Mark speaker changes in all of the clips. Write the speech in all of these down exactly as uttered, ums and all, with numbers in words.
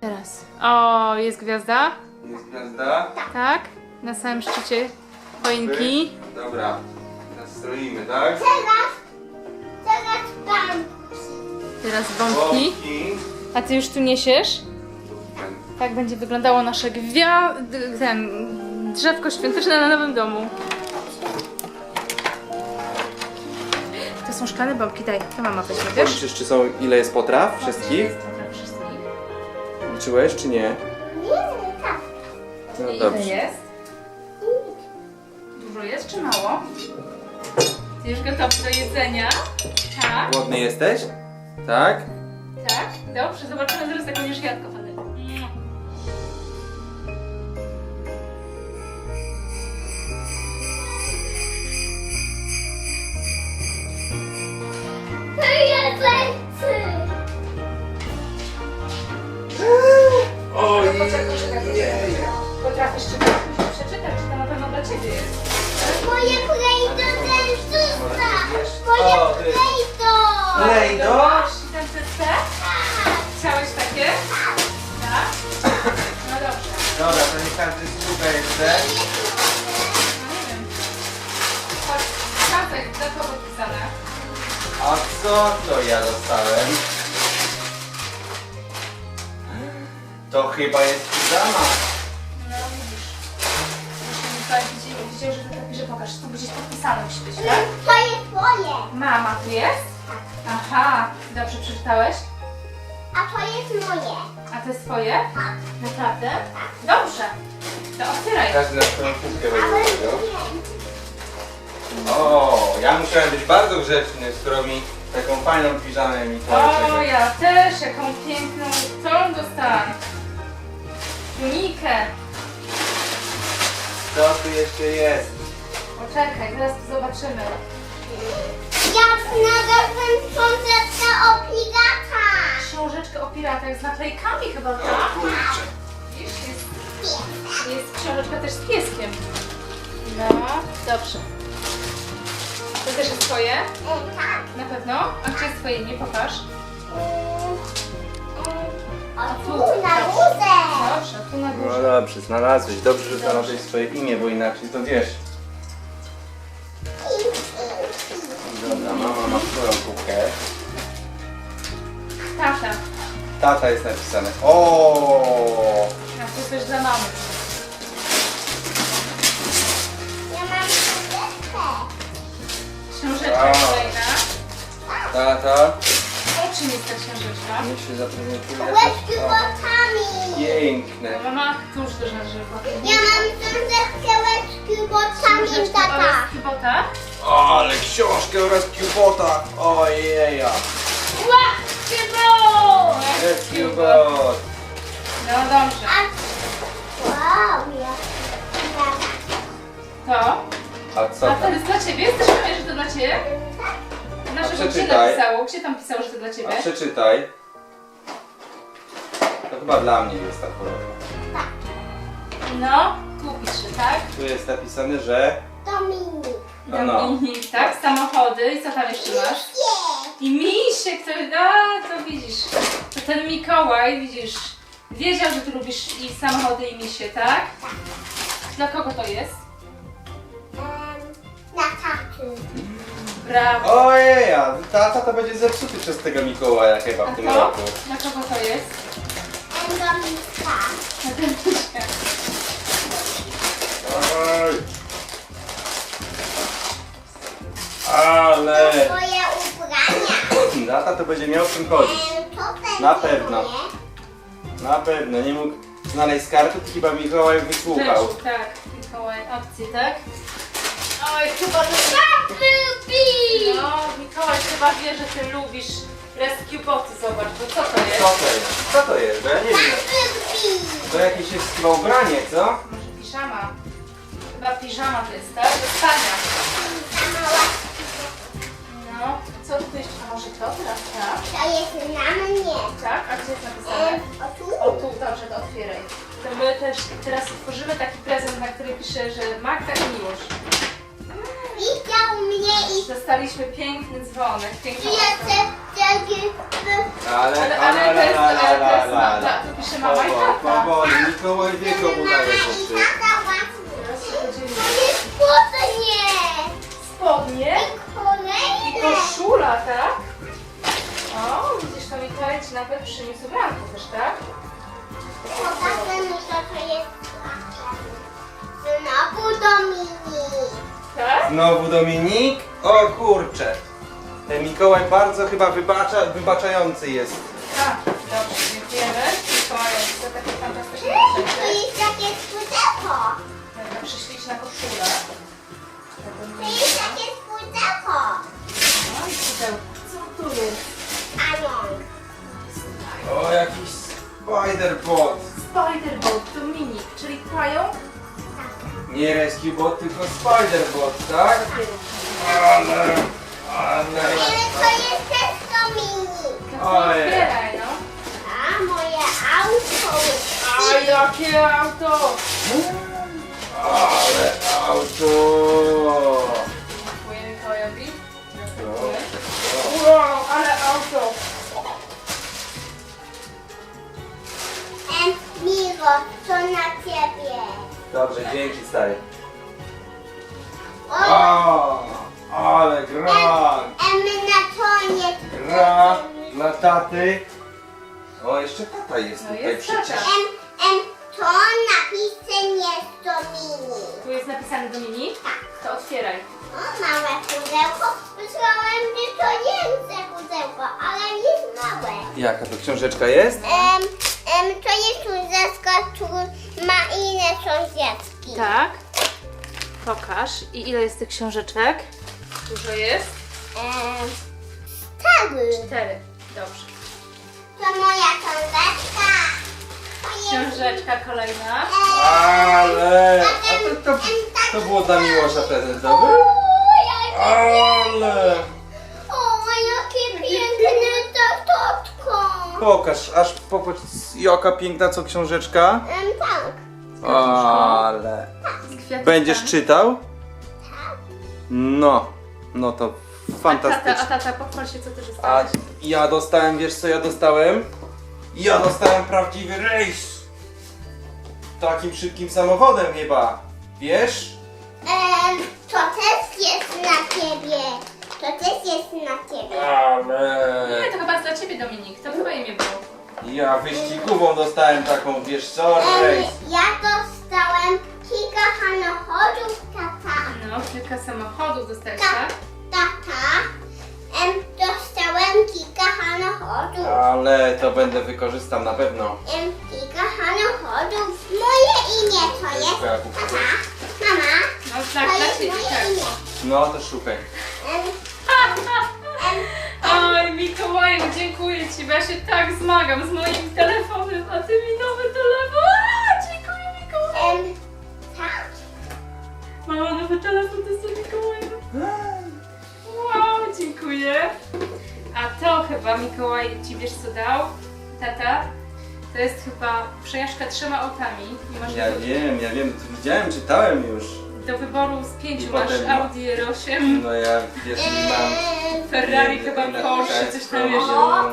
Speaker 1: Teraz. O, jest gwiazda?
Speaker 2: Jest gwiazda?
Speaker 1: Tak. Na samym szczycie choinki.
Speaker 2: Dobra. Teraz stroimy, tak?
Speaker 3: Teraz, teraz tam.
Speaker 1: Teraz bombki.
Speaker 2: Bombki.
Speaker 1: A ty już tu niesiesz? Tak będzie wyglądało nasze gwia... d- ten... drzewko świąteczne na nowym domu. To są szklane bombki, daj, to mama weźmie, wiesz?
Speaker 2: Policzysz, czy są, ile jest potraw? Wszystkich?
Speaker 1: Dobra, wszystkich.
Speaker 2: Liczyłeś, czy nie?
Speaker 3: Nie, tak.
Speaker 2: No
Speaker 1: Ile
Speaker 2: dobrze.
Speaker 1: jest? Dużo jest czy mało? Ty już gotowy do jedzenia? Tak?
Speaker 2: Głodny jesteś? Tak?
Speaker 1: Tak? Dobrze, zobaczymy zaraz jak będziesz jadł, kochany. Mm.
Speaker 3: To jest lepszy.
Speaker 2: Oj,
Speaker 1: Poczekaj, poczekaj. Potrafisz czytać? Musisz przeczytać, czy to na pewno dla ciebie jest.
Speaker 3: Moje plejdo dentista.
Speaker 2: O,
Speaker 3: Moje
Speaker 2: ty.
Speaker 3: plejdo.
Speaker 2: Plejdo?
Speaker 1: Masz i ten C? Chciałeś takie? Tak? No dobrze.
Speaker 2: Dobra, to nie każdy słucha jeszcze.
Speaker 1: No nie wiem. Chodź, Kacek, dla kogo pisane?
Speaker 2: A co to ja dostałem? To chyba jest pijama.
Speaker 1: No widzisz. Musimy tutaj widzieć, widzieć, że to tak pisze, pokaż, tu gdzieś podpisane musi być, tak?
Speaker 3: To jest moje.
Speaker 1: Mama, tu jest? Aha, dobrze przeczytałeś?
Speaker 3: A to jest moje.
Speaker 1: A to jest twoje? Naprawdę? Dobrze. To otwieraj.
Speaker 2: Każdy na swoją kubkę
Speaker 3: Ale
Speaker 2: będzie
Speaker 3: nie.
Speaker 2: robił. O, ja musiałem być bardzo grzeczny, skoro mi taką fajną piżamę mi
Speaker 1: O, ja też, jaką piękną tą dostałam. Tunikę.
Speaker 2: Co tu jeszcze jest?
Speaker 1: Poczekaj, zaraz to zobaczymy.
Speaker 3: Ja znalazłem książeczkę o piratach.
Speaker 1: Książeczkę o piratach z naklejkami chyba, tak?
Speaker 2: Kurczę.
Speaker 1: Widzisz, jest, jest książeczka też z pieskiem. No, dobrze. To też jest twoje?
Speaker 3: E, tak.
Speaker 1: Na pewno? A gdzie jest twoje imię? Pokaż.
Speaker 3: O tu, na górze.
Speaker 1: Dobrze, tu na
Speaker 2: No
Speaker 1: górze.
Speaker 2: dobrze, znalazłeś. Dobrze, że znalazłeś swoje imię, bo inaczej to wiesz. Dobra, mama ma swoją kubkę.
Speaker 1: Tata.
Speaker 2: Tata jest napisane. O,
Speaker 1: A to też dla mamy.
Speaker 3: Ja mam książeczkę.
Speaker 1: Książeczka
Speaker 2: Wow.
Speaker 1: kolejna.
Speaker 2: tata.
Speaker 1: O czym jest ta książeczka?
Speaker 2: Niech się zaprezentuje.
Speaker 3: Łebki
Speaker 2: O,
Speaker 3: botami.
Speaker 2: piękne.
Speaker 1: No, mama, któż też na żywo?
Speaker 3: Ja mam książeczkę łebki botami,
Speaker 1: Książeczka
Speaker 3: tata.
Speaker 1: oraz kibota.
Speaker 2: O, ale książkę oraz Cubota. Ojeja.
Speaker 1: Łapcie go!
Speaker 2: Jest Cubot.
Speaker 1: No dobrze.
Speaker 3: A... Wow, ja...
Speaker 1: To?
Speaker 2: A co
Speaker 1: A to
Speaker 2: tam?
Speaker 1: jest dla ciebie? Jesteś pewien, że to dla ciebie? Na żywo gdzie
Speaker 2: przeczytaj.
Speaker 1: napisało? Gdzie tam pisało, że to dla ciebie?
Speaker 2: A przeczytaj. To chyba dla mnie jest ta choroba.
Speaker 1: No, tu pisze, tak?
Speaker 2: Tu jest napisane, że...
Speaker 3: Dominik.
Speaker 2: No, no.
Speaker 1: Dominik, tak? Samochody i co tam jeszcze masz?
Speaker 3: Nie.
Speaker 1: I misiek, to, a, to widzisz. To ten Mikołaj, widzisz, wiedział, że ty lubisz i samochody i misie, tak? Dla kogo to jest?
Speaker 3: Em, na taty.
Speaker 1: Brawo.
Speaker 2: Ojeja, tata to będzie zepsuty przez tego Mikołaja chyba
Speaker 1: A
Speaker 2: w tym
Speaker 1: to?
Speaker 2: roku.
Speaker 1: Dla kogo to jest?
Speaker 3: Em, Dominika.
Speaker 1: Na ten misiek.
Speaker 2: Oj. Ale...
Speaker 3: Moje ubrania.
Speaker 2: Tata to będzie miał w czym chodzić.
Speaker 3: Em, to będzie
Speaker 2: Na pewno.
Speaker 3: moje.
Speaker 2: Na pewno, nie mógł znaleźć karty, to chyba Mikołaj wysłuchał.
Speaker 1: Rzeczu, tak. Mikołaj, opcji, tak? Oj, chyba to tak lubi! No, Mikołaj chyba wie, że ty lubisz rescue boty, zobacz, bo co to jest?
Speaker 2: Co to jest? Co to jest? Bo ja nie wiem.
Speaker 3: Lubi.
Speaker 2: To jakieś jest chyba ubranie, co?
Speaker 1: Może piżama? Chyba piżama to jest, tak? Do spania.
Speaker 3: Ta mała.
Speaker 1: No, co tu jeszcze? A może to teraz, tak?
Speaker 3: To jest na mnie.
Speaker 1: Tak? A gdzie jest napisane?
Speaker 3: Em, o tu.
Speaker 1: O tu, dobrze, to otwieraj. To my też teraz otworzymy taki prezent, na który pisze, że Magda i Miłosz.
Speaker 3: Widział mnie i
Speaker 1: Dostaliśmy piękny dzwonek,
Speaker 3: Tu
Speaker 1: piękną
Speaker 3: jeszcze taki...
Speaker 2: Ale,
Speaker 1: Ale,
Speaker 2: ale,
Speaker 1: ale to jest,
Speaker 2: la, la,
Speaker 1: ale to
Speaker 2: la,
Speaker 1: jest,
Speaker 2: la,
Speaker 1: no,
Speaker 2: la.
Speaker 1: to pisze mama i
Speaker 2: Powoli,
Speaker 1: tata.
Speaker 2: powoli, Mikołaj wie komu daje rzeczy.
Speaker 3: Tata łatwy.
Speaker 1: Teraz się podzielimy.
Speaker 3: To jest spodnie.
Speaker 1: Spodnie i
Speaker 3: Kolejne.
Speaker 1: koszula, tak? O, widzisz, to Mikołaj ci nawet przyniósł ubranko też, tak?
Speaker 3: Popatrzmy mi to, co jest. Znowu Dominik.
Speaker 1: Tak?
Speaker 2: Znowu Dominik? O kurczę. Ten Mikołaj bardzo chyba wybacza, wybaczający jest.
Speaker 1: Tak, dobrze, dziękujemy. Mikołaju za takie fantastyczne
Speaker 3: Tu
Speaker 1: rzeczy.
Speaker 3: jest takie pudełko.
Speaker 1: Dobra, przyśliczna koszula.
Speaker 3: Tu jest takie pudełko.
Speaker 1: No i pudełko. Co tu jest?
Speaker 3: Pająk.
Speaker 2: O, jakiś Spider-Bot.
Speaker 1: Spider-Bot, to minik, czyli pająk.
Speaker 2: Nie Rescue Bot, tylko Spider-Bot, tak? Ale, ale...
Speaker 3: Ale to jest też Dominik.
Speaker 1: No to
Speaker 2: Ojej.
Speaker 1: otwieraj, no.
Speaker 3: A moje auto jest.
Speaker 1: A jakie auto!
Speaker 2: Ale auto!
Speaker 1: Dziękuję Mikołajowi.
Speaker 2: No.
Speaker 1: Wow, ale auto!
Speaker 3: Em, Miro, to na ciebie.
Speaker 2: Dobrze, dzięki stary.
Speaker 3: O,
Speaker 2: O, ale gra!
Speaker 3: em, na koniec.
Speaker 2: Gra dla taty. O, jeszcze tata jest
Speaker 1: No
Speaker 2: tutaj
Speaker 1: jest
Speaker 2: przecież.
Speaker 1: tata.
Speaker 3: Em, em, to napisem jest Dominik.
Speaker 1: Tu jest napisane Dominik? To otwieraj.
Speaker 3: O, małe pudełko. Myślałem, że to większe pudełko, ale jest małe.
Speaker 2: Jaka to książeczka jest?
Speaker 3: Em, em, to jest pudełko, które ma inne sąsiedzki.
Speaker 1: Tak. Pokaż. I ile jest tych książeczek? Dużo jest?
Speaker 3: Em, stary.
Speaker 1: Cztery. Dobrze.
Speaker 3: To moja książeczka. To jest...
Speaker 1: Książeczka kolejna.
Speaker 3: Em,
Speaker 2: Ale...
Speaker 3: em,
Speaker 2: A to, to,
Speaker 3: em, tak-
Speaker 2: to było dla Miłosza prezentowy?
Speaker 3: O, jakie
Speaker 2: Ale...
Speaker 3: O, jakie piękne tatotko!
Speaker 2: Pokaż, aż popatrz jaka piękna co książeczka.
Speaker 3: Em, tak.
Speaker 2: Ale...
Speaker 1: Z kwiatkami.
Speaker 2: Będziesz czytał?
Speaker 3: Tak.
Speaker 2: No, no to
Speaker 1: A tata, a
Speaker 2: fantastycznie.
Speaker 1: tata, pochwal się, co ty
Speaker 2: A
Speaker 1: dostałeś.
Speaker 2: ja dostałem, wiesz co ja dostałem? Ja dostałem prawdziwy rejs. Takim szybkim samochodem chyba. Wiesz?
Speaker 3: Em, to też jest na ciebie. To też jest na ciebie.
Speaker 1: Nie,
Speaker 2: Ale...
Speaker 1: to chyba jest dla ciebie, Dominik. To chyba imię było.
Speaker 2: Ja wyścigową dostałem taką, wiesz co?
Speaker 3: Em,
Speaker 2: Rejs.
Speaker 3: ja dostałem kilka samochodów, tata.
Speaker 1: No, kilka samochodów dostałeś,
Speaker 3: Tak.
Speaker 1: tak?
Speaker 3: Tata. Em, dostałem kilka samochodów.
Speaker 2: Ale to będę wykorzystam na pewno.
Speaker 3: Em, kilka samochodów. Moje imię to jest.
Speaker 2: Twoja kupa.
Speaker 3: Tata. Mama.
Speaker 1: No,
Speaker 3: To
Speaker 1: tak, dla
Speaker 3: jest
Speaker 1: ciebie,
Speaker 3: moje
Speaker 1: tak.
Speaker 3: imię.
Speaker 2: No to szukaj.
Speaker 3: Em,
Speaker 1: Oj, Mikołaju, dziękuję Ci, bo ja się tak zmagam z moim telefonem, a Ty mi nowy telefon. A, dziękuję Mikołaju.
Speaker 3: em, tak.
Speaker 1: Mama, nowy telefon to jest Mikołaju. Wow, dziękuję. A to chyba Mikołaj Ci wiesz co dał? Tata? To jest chyba przejażdżka trzema autami. I masz
Speaker 2: Ja
Speaker 1: do,
Speaker 2: wiem, ja wiem, widziałem, czytałem już.
Speaker 1: do wyboru z pięciu
Speaker 2: I
Speaker 1: masz
Speaker 2: potem-
Speaker 1: Audi R osiem,
Speaker 2: No ja wiesz, mam.
Speaker 3: Em,
Speaker 1: Ferrari
Speaker 2: Nie,
Speaker 1: chyba,
Speaker 2: na-
Speaker 1: Porsche, coś tam
Speaker 2: na-
Speaker 1: jeszcze.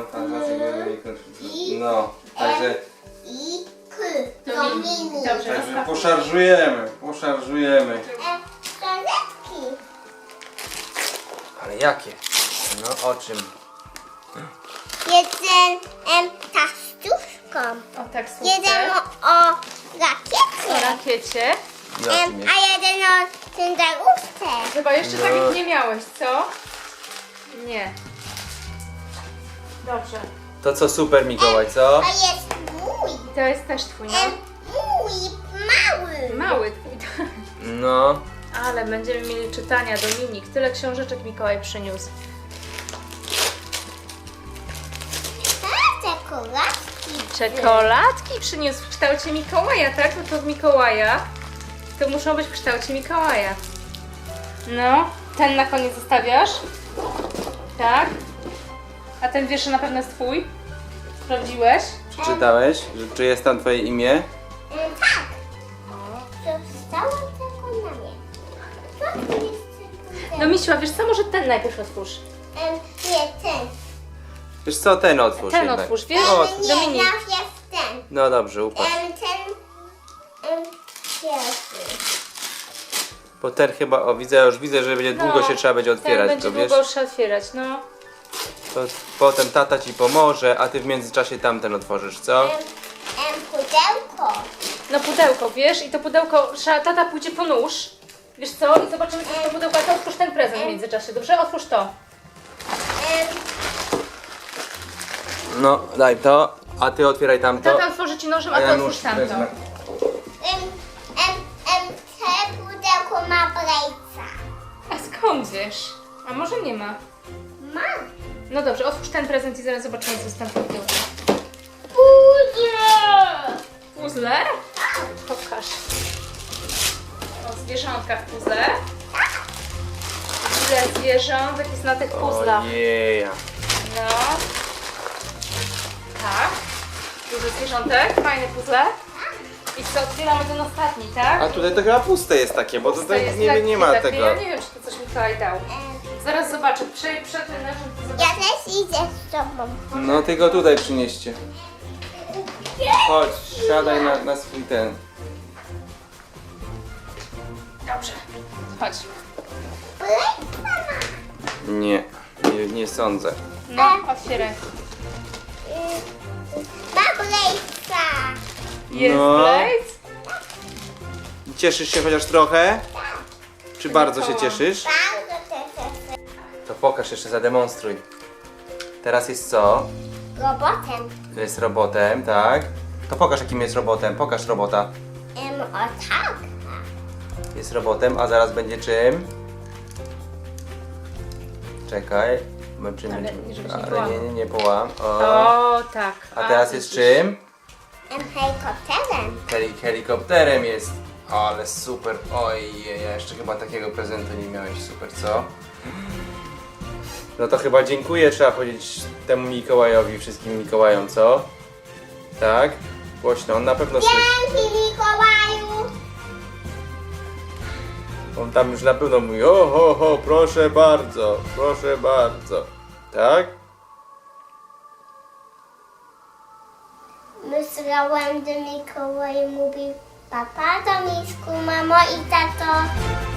Speaker 2: No, także,
Speaker 3: I K.
Speaker 1: Dominik.
Speaker 3: Dominik.
Speaker 1: Dobrze.
Speaker 2: także poszarżujemy, poszarżujemy.
Speaker 3: Em, książeczki.
Speaker 2: Ale jakie? No o czym?
Speaker 3: Jeden em, tastuszką.
Speaker 1: O tak,
Speaker 3: Jeden
Speaker 1: słodce.
Speaker 3: o, o
Speaker 1: O
Speaker 3: rakiecie.
Speaker 1: rakiecie.
Speaker 3: Em,
Speaker 2: Jakim jest?
Speaker 3: a jeden o cyndałówce.
Speaker 1: Chyba jeszcze
Speaker 2: No.
Speaker 1: takich nie miałeś, co? Nie. Dobrze.
Speaker 2: To co super Mikołaj, co?
Speaker 3: To jest mój.
Speaker 1: I to jest też twój, no?
Speaker 3: Em, mój mały.
Speaker 1: Mały twój.
Speaker 2: No.
Speaker 1: Ale będziemy mieli czytania, Dominik. Tyle książeczek Mikołaj przyniósł.
Speaker 3: A, czekoladki.
Speaker 1: Czekoladki przyniósł w kształcie Mikołaja, tak? No to w Mikołaja. To muszą być w kształcie Mikołaja. No, ten na koniec zostawiasz? Tak? A ten wiersz na pewno jest twój? Sprawdziłeś?
Speaker 2: Przeczytałeś? Że czy jest tam twoje imię?
Speaker 3: Em, tak. Zostało tylko na mnie. Co tu jest ten.
Speaker 1: No Misiu, a wiesz co, może ten najpierw otwórz.
Speaker 3: Em, nie, ten.
Speaker 2: Wiesz co, ten otwórz
Speaker 1: Ten
Speaker 2: jednak.
Speaker 1: otwórz, wiesz?
Speaker 2: O,
Speaker 3: Em, nie,
Speaker 1: Dominik.
Speaker 3: najpierw ten.
Speaker 2: no dobrze, upatrz.
Speaker 3: Em, ten. Em, pierwszy.
Speaker 2: Bo ten chyba, o widzę, już widzę, że będzie długo się trzeba będzie
Speaker 1: ten
Speaker 2: otwierać,
Speaker 1: będzie
Speaker 2: to wiesz?
Speaker 1: długo trzeba otwierać, no.
Speaker 2: To potem tata ci pomoże, a ty w międzyczasie tamten otworzysz, co?
Speaker 3: Em, em, pudełko.
Speaker 1: No pudełko, wiesz? I to pudełko, trzeba, tata pójdzie po nóż. Wiesz co? I zobaczymy, co to pudełko, a to otwórz ten prezent w międzyczasie, dobrze? Otwórz to.
Speaker 3: Em,
Speaker 2: No, daj to, a ty otwieraj tamto.
Speaker 1: Tata otworzy ci nożem, a
Speaker 2: A
Speaker 1: ty
Speaker 2: ja
Speaker 1: otwórz
Speaker 2: nóż
Speaker 1: tamto.
Speaker 2: wezmę.
Speaker 3: em, em, em, te pudełko ma brejca.
Speaker 1: A skąd wiesz? A może nie ma?
Speaker 3: Ma.
Speaker 1: No dobrze, otwórz ten prezent i zaraz zobaczymy, co jest tam w pudełku.
Speaker 3: Puzzle.
Speaker 1: Puzzle? Pokaż. O, zwierzątka w puzzle. Ile zwierzątek jest na tych puzzlach?
Speaker 2: Ojeja.
Speaker 1: No. Tak. Dużo zwierzątek, fajne puzzle. I co, otwieramy ten ostatni, tak?
Speaker 2: A tutaj to chyba puste jest takie, bo
Speaker 1: To
Speaker 2: tutaj
Speaker 1: jest
Speaker 2: nie,
Speaker 1: takie,
Speaker 2: nie ma
Speaker 1: takie.
Speaker 2: tego.
Speaker 1: Ja nie wiem, czy to coś Mikołaj dał.
Speaker 3: Em,
Speaker 1: Zaraz zobaczę. Prze, przed tym nożem to
Speaker 3: ja
Speaker 1: zobaczę.
Speaker 3: też idę z tobą.
Speaker 2: No tylko tutaj przynieście. Chodź, siadaj na, na swój ten.
Speaker 1: Dobrze. Chodź.
Speaker 3: Brejca ma.
Speaker 2: Nie, nie, nie sądzę.
Speaker 1: No, otwieraj.
Speaker 3: Em, Ma brejca.
Speaker 1: Jest
Speaker 2: No.
Speaker 1: Blaze?
Speaker 2: Cieszysz się chociaż trochę? Czy bardzo się
Speaker 1: Mikołaj.
Speaker 2: cieszysz?
Speaker 3: Bardzo też
Speaker 2: To pokaż jeszcze, zademonstruj. Teraz jest co?
Speaker 3: robotem.
Speaker 2: To jest robotem, tak? To pokaż jakim jest robotem, pokaż robota.
Speaker 3: Em, o tak.
Speaker 2: Jest robotem, a zaraz będzie czym? Czekaj. Zobaczymy,
Speaker 1: Ale
Speaker 2: czym-
Speaker 1: nie, żebyś nie
Speaker 2: ale
Speaker 1: połamał.
Speaker 2: nie, nie, nie połam. O.
Speaker 1: O, tak.
Speaker 2: A teraz jest
Speaker 1: widzisz.
Speaker 2: czym?
Speaker 3: Em, helikopterem.
Speaker 2: Heli helikopterem jest. Ale super. Ojej, ja jeszcze chyba takiego prezentu nie miałeś. Super, co? No to chyba dziękuję, trzeba powiedzieć temu Mikołajowi, wszystkim Mikołajom, co? Tak? Głośno, on na pewno słyszy.
Speaker 3: Dzięki Mikołaju.
Speaker 2: On tam już na pewno mówi, o ho ho, proszę bardzo, proszę bardzo. Tak?
Speaker 3: Myślałem, że Mikołaj mówi papa do misku, mamo i tato.